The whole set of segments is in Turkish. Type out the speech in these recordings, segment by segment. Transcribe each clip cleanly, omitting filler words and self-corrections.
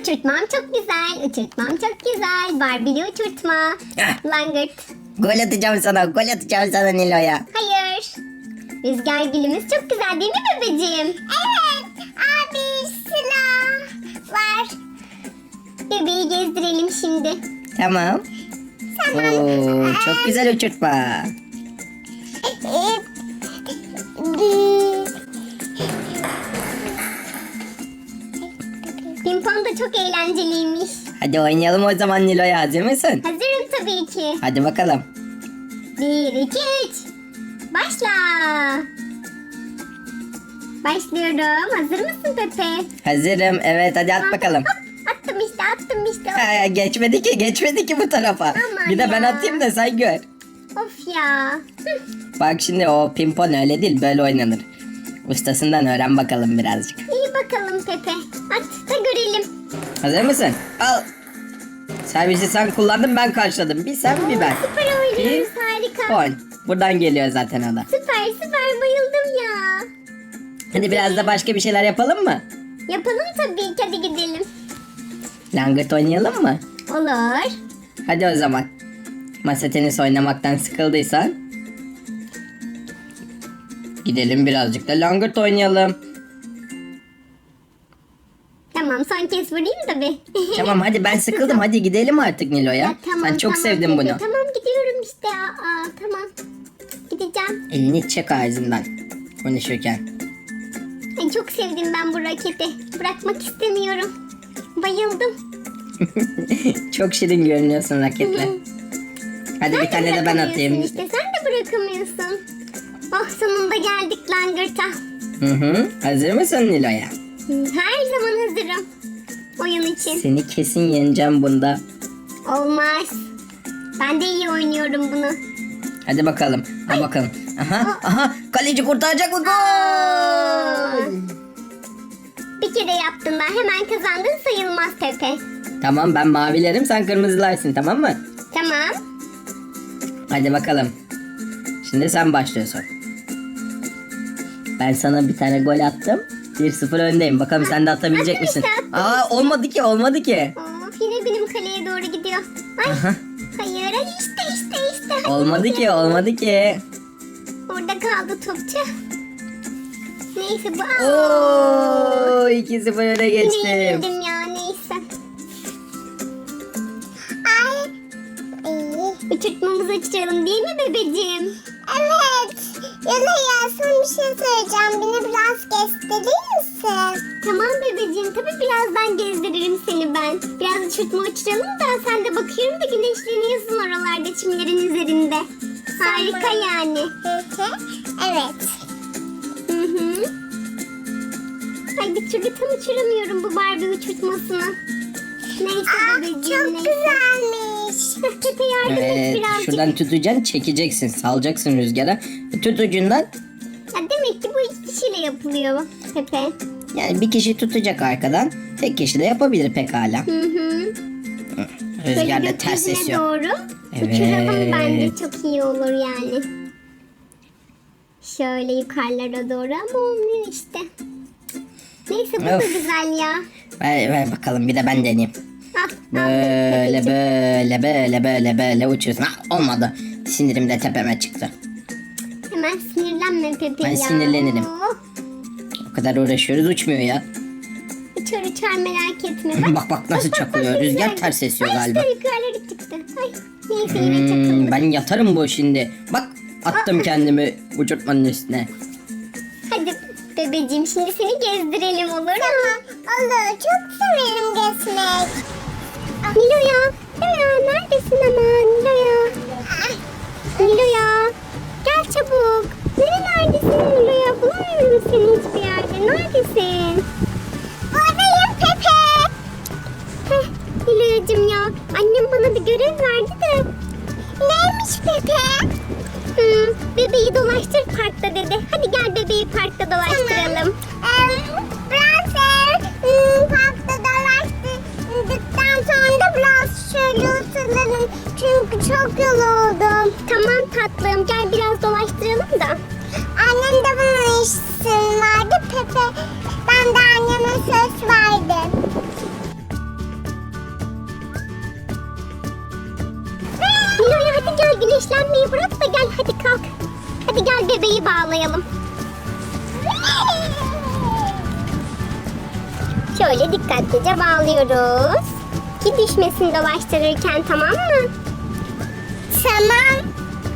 Uçurtmam çok güzel. Uçurtmam çok güzel. Barbie'li uçurtma. Heh. Langırt. Gol atacağım sana. Gol atacağım sana Nilo'ya. Hayır. Rüzgar gülümüz çok güzel değil mi bebeğim? Evet. Abi silah var. Bebeği gezdirelim şimdi. Tamam. Oo, çok güzel uçurtma. Pimpon da çok eğlenceliymiş. Hadi oynayalım o zaman Nilo'ya. Hazır mısın? Hazırım tabii ki. Hadi bakalım. 1, 2, 3. Başla. Başlıyorum. Hazır mısın Pepe? Hazırım. Evet hadi at bakalım. Hop, attım işte. Ha, geçmedi ki bu tarafa. Aman Bir de ben ya. atayım da sen gör. Of ya. Hı. Bak şimdi o pimpon öyle değil, böyle oynanır. Ustasından öğren bakalım birazcık. İyi bakalım Pepe. At da görelim. Hazır mısın? Al. Servisi sen kullandın, ben karşıladım. Bir sen bir ben. Süper oynuyoruz, harika. Pon. Buradan geliyor zaten o da. Süper bayıldım ya. Hadi biraz da başka bir şeyler yapalım mı? Yapalım tabii ki, hadi gidelim. Langırt oynayalım mı? Olur. Hadi o zaman. Masa tenisi oynamaktan sıkıldıysan gidelim birazcık da langırt oynayalım. Tamam, son kez vurayım da bir. Tamam hadi, ben sıkıldım, hadi gidelim artık Nilo'ya. Ya, tamam, Ben çok tamam sevdim Pepe. bunu. Tamam gidiyorum işte. Tamam. Gideceğim. Elini çek ağzından konuşurken. Ay, çok sevdim ben bu raketi. Bırakmak istemiyorum. Bayıldım. Çok şirin görünüyorsun raketle. Hadi bir tane de ben atayım. İşte sen de bırakamıyorsun. Oh, sonunda geldik langırta. Hazır mısın Nilo'ya? Her zaman hazırım. Oyun için. Seni kesin yeneceğim bunda. Olmaz. Ben de iyi oynuyorum bunu. Hadi bakalım. Ha bakalım. Aha, kaleci kurtaracak mı? Gol! Bir kere yaptın da hemen kazandın sayılmaz Pepe. Tamam, ben mavilerim, sen kırmızılarsın, tamam mı? Tamam. Hadi bakalım. Şimdi sen başlıyorsun. Ben sana bir tane gol attım. 1-0 öndeyim. Bakalım sen de atabilecek Attım misin? işte, attım Olmadı ki. Of, yine benim kaleye doğru gidiyor. Ay. Aha. Hayır, işte. Olmadı ki. Orada kaldı topçu. Neyse bu. Oo, 2-0 öne Yine geçtim. yenildim ya, neyse. Ay. Uçurtmamızı açalım değil mi bebeğim? Evet. Ya son bir şey söyleyeceğim. Beni biraz gösterir misin? Tamam bebeğim. Tabii birazdan gezdiririm seni ben. Biraz uçurtma uçuralım da sen de bakıyorum da güneşleniyorsun oralarda çimlerin üzerinde. Harika yani. Evet. Ay, bir türlü tam uçuramıyorum bu Barbie uçurtmasını. Neyse bebeğim. Çok güzelmiş. Pepe yardım et Evet, birazcık. şuradan tutacaksın, çekeceksin, salacaksın rüzgara. Tut ucundan. Ya demek ki bu iki kişiyle yapılıyor Pepe. Yani bir kişi tutacak arkadan. Tek kişi de yapabilir pekala. Rüzgarla Böyle ters gökyüzüne esiyor. doğru Evet. uçuralım, bence çok iyi olur yani. Şöyle yukarılara doğru ama olmuyor işte. Neyse bu da Of. güzel ya. Ver bakalım, bir de ben deneyeyim. Al, Böyle Pepeciğim. böyle uçuyorsun. Olmadı. Sinirim de tepeme çıktı. Hemen sinirlenme Pepe Ben ya. sinirlenirim. Oh, O kadar uğraşıyoruz, uçmuyor ya. uçar merak etme. Bak nasıl çakılıyor. Rüzgar ters esiyor galiba. Ay işte yukarılara çıktı. Ay, neyse yine çakıldı. Ben yatarım bu şimdi. Bak attım kendimi uçurtmanın üstüne. Hadi bebeğim, şimdi seni gezdirelim, olur mu? Olur, çok severim gezmek. Nilo'ya neredesin ama Nilo'ya? Nilo'ya gel çabuk. Nerelerdesin Nilo'ya? Bulamıyorum seni hiçbir yerde. Neredesin? Buradayım Pepe. Nilo'yacığım ya, annem bana bir görev verdi de. Neymiş Pepe? Bebeği dolaştır parkta dedi. Hadi gel bebeği parkta dolaştıralım. Parkta dolaştırdıktan sonra da biraz şöyle oturalım. Çünkü çok yoruldum. Tamam tatlım, gel biraz dolaştıralım da. Annem de bana izin verdi Pepe. Ben de anneme söz verdim. bebeği bırak da gel hadi kalk. Hadi gel bebeği bağlayalım. Şöyle dikkatlice bağlıyoruz. Ki düşmesin dolaştırırken, tamam mı? Tamam.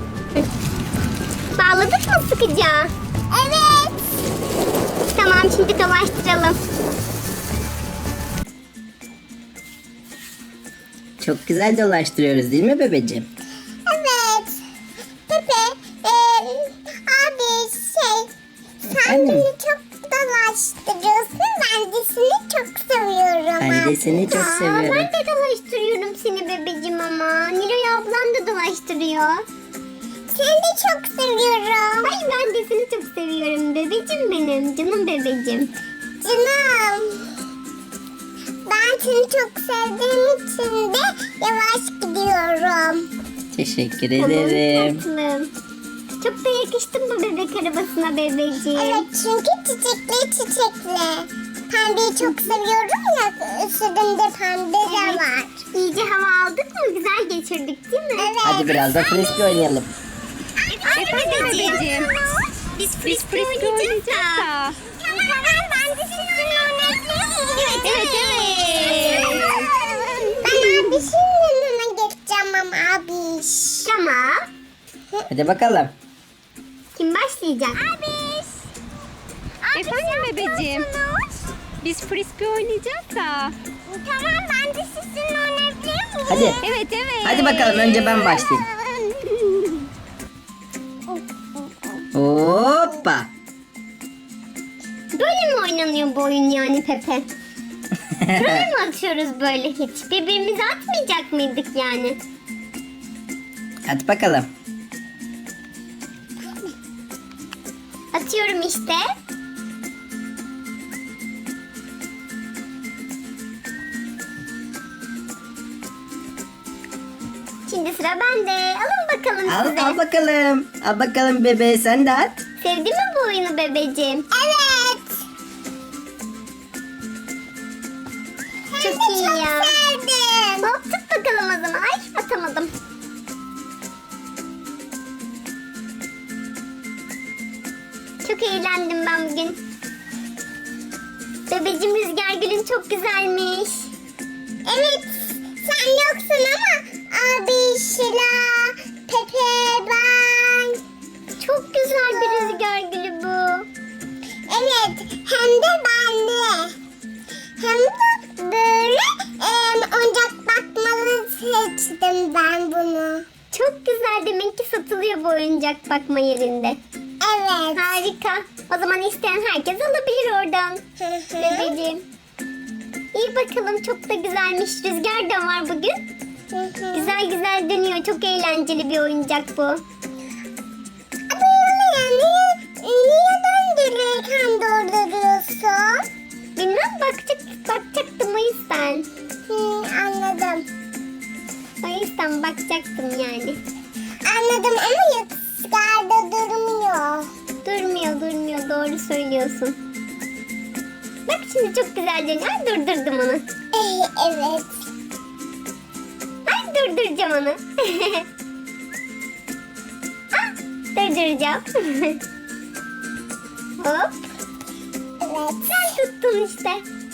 Bağladık mı sıkıca? Evet. Tamam, şimdi dolaştıralım. Çok güzel dolaştırıyoruz değil mi bebeciğim? Evet. Pepe, abi sen Efendim? beni çok dolaştırıyorsun. Ben de seni çok seviyorum. Ben de seni çok seviyorum. Ben de dolaştırıyorum seni bebeciğim ama. Niloy ablam da dolaştırıyor. Seni de çok seviyorum. Ay ben de seni çok seviyorum bebeciğim benim. Canım bebeciğim. Canım. Ben seni çok sevdiğim için de yavaş gidiyorum. Teşekkür ederim. Tatlım. Çok da yakıştın bu bebek arabasına bebeciğim. Evet, çünkü çiçekli. Pembeyi çok seviyorum ya, üstünde pembe de var. İyice hava aldık mı? Güzel geçirdik değil mi? Evet. Hadi biraz da frisbee oynayalım. Efendim bebeciğim. Biz frisbee oynayacağız da. Tamam, ben de sizinle oynayayım. Evet. Ben abişin yanına geçeceğim ama abiş. Tamam. Hadi bakalım. Kim başlayacak? Abiş. Efendim bebeciğim. Biz frisbee oynayacağız da. Tamam, ben de sizinle oynayabilir miyim? Hadi. Evet. Hadi bakalım, önce ben başlayayım. Hoppa. Böyle mi oynanıyor bu oyun yani Pepe? Böyle mi atıyoruz böyle hiç? Birbirimize atmayacak mıydık yani? Hadi bakalım. Atıyorum işte. Şimdi sıra bende. Alın bakalım size. Al bakalım. Al bakalım bebe, sen de at. Sevdin mi bu oyunu bebeciğim? Evet. Çok iyi ya. Sevdim. Hop tut bakalım o zaman. Ay atamadım. Çok eğlendim ben bugün. Bebeciğim, rüzgar gülün çok güzelmiş. Evet, sen yoksun ama abi, Şila, Pepe, ben. Çok güzel bir rüzgar gülü bu. Evet, hem de benli. Hem de böyle oyuncak bakmalı seçtim ben bunu. Çok güzel, demek ki satılıyor bu oyuncak bakma yerinde. Evet. Harika. O zaman isteyen herkes alabilir oradan. Bebeğim. İyi bakalım, çok da güzelmiş. Rüzgar da var bugün. Güzel güzel dönüyor. Çok eğlenceli bir oyuncak bu. Ama niye döndürürken durduruyorsun? Bilmem, bakacaktım o yüzden. Anladım. O yüzden bakacaktım yani. Anladım ama rüzgarda durmuyor. Durmuyor. Doğru söylüyorsun. Bak şimdi çok güzel dönüyor. Ay, durdurdum onu. Evet. Ay, durduracağım onu. Ah, durduracağım. Hop. Evet. Sen tuttun işte.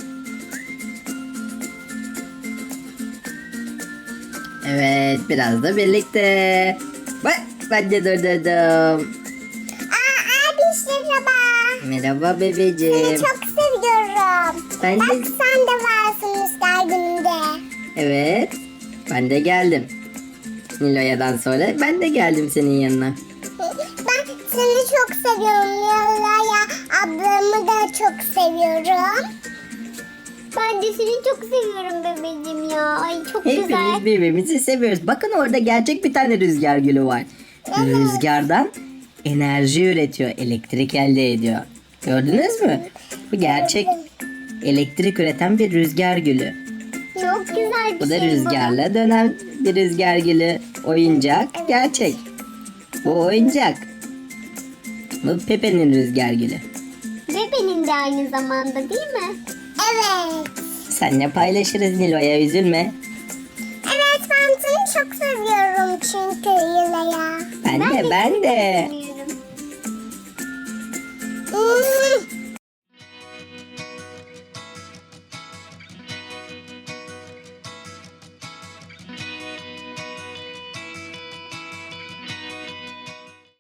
Evet, biraz da birlikte. Bak, ben de durdurdum. Abi merhaba. Merhaba bebeciğim. Çok seviyorum. Ben de- Bak sen de varsın rüzgar gününde. Evet, ben de geldim. Niloya'dan sonra ben de geldim senin yanına. Ben seni çok seviyorum. Yalaya ablamı da çok seviyorum. Ben de seni çok seviyorum bebeğim ya. Ay çok güzel. Hepimiz birbirimizi seviyoruz. Bakın orada gerçek bir tane rüzgar gülü var. Rüzgardan enerji üretiyor, elektrik elde ediyor. Gördünüz mü? Bu gerçek elektrik üreten bir rüzgar gülü. Çok güzel bir Bu da şey rüzgarla dönen bir rüzgar gülü. Oyuncak gerçek. Bu oyuncak. Bu Pepe'nin rüzgar gülü. Bebeğin de aynı zamanda değil mi? Evet. Seninle paylaşırız Nilo'ya, üzülme. Evet, ben seni çok seviyorum çünkü Yılaya. Ben Ben de.